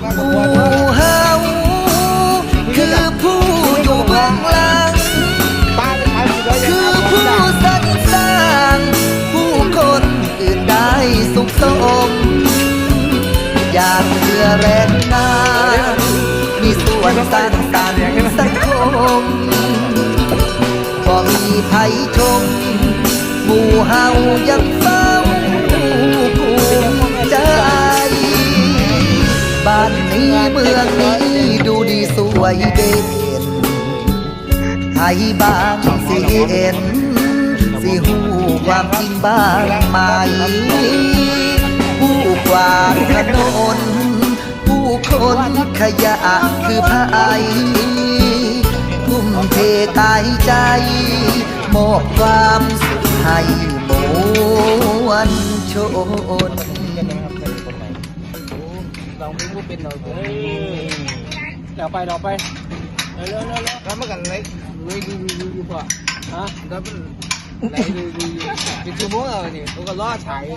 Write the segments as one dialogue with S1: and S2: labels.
S1: ผู้เฮาคือผู้อยู่เบื้องหลังคือผู้สรรสร้างผู้คนอื่นได้สุขสมอยากเพื่อแรงงานมีส่วนสร้างสรรค์สังคมบ่มีภัยชมหมู่เฮายังเฝ้าภูมิใจบ้านนี้เมืองนี้ดูดีสวยเด่นไทยบางสิเห็นสิหูความจริงบ้างไหมผู้กวาดถนนผู้คนขยะคือพายทุ่มเทกายใจมอบความสุขให้มวลชน
S2: ลองวิ่งเป็นเราเดี๋ยวไปเร็วแล้วเมื่อกันเลยดูพอฮะแล้วมันไหนดูเป็นชั่วโมงเลยนี่ตัวก็ล่อฉาย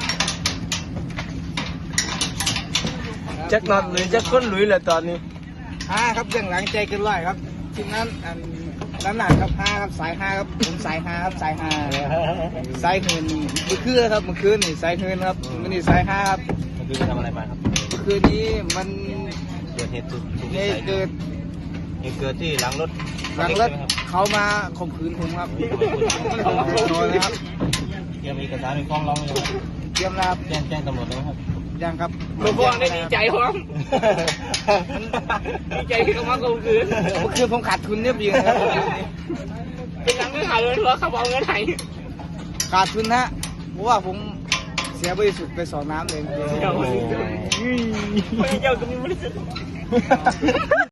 S3: จักนอนหรือจักค้นหลุยแหละตอนนี้
S2: ครับยังหลังใจเกินร้อยครับทีนั้นน้ำหนักครับ5ครับสาย5ครับผมสาย5ครับสาย5สายคืนเมื่อคืนครับเมื่อคืนนี่สายคืนครับมันนี่สาย5ครับ
S3: เมื่อคืนทำอะไรมาครับ
S2: เมื่อคืนนี้มัน
S3: เกิดเหตุ
S2: เกิด
S3: ที่หลังรถ
S2: เขามาข่มขืนผมครับ
S3: ยังมีเอกสารในฟ้องร้องเลย
S2: เตรียมรับ
S3: แจ้งตำรวจแล้วครับ
S2: ยังครับ
S3: ผมบอกได้ดีใจพร้อมดีใจที่เขามาข่มขืน
S2: เมื่อคืนผมขาดทุนเรียบร้อยครับ
S3: เป็นหลังไม่ขาดเลยเพราะเขาบอกเงินไหน
S2: ขาดทุนฮะเพราะว่าผมเสียบริสุทธิ์ไป2 น้ำเอง
S3: เจ้าก็มีบริสุทธิ์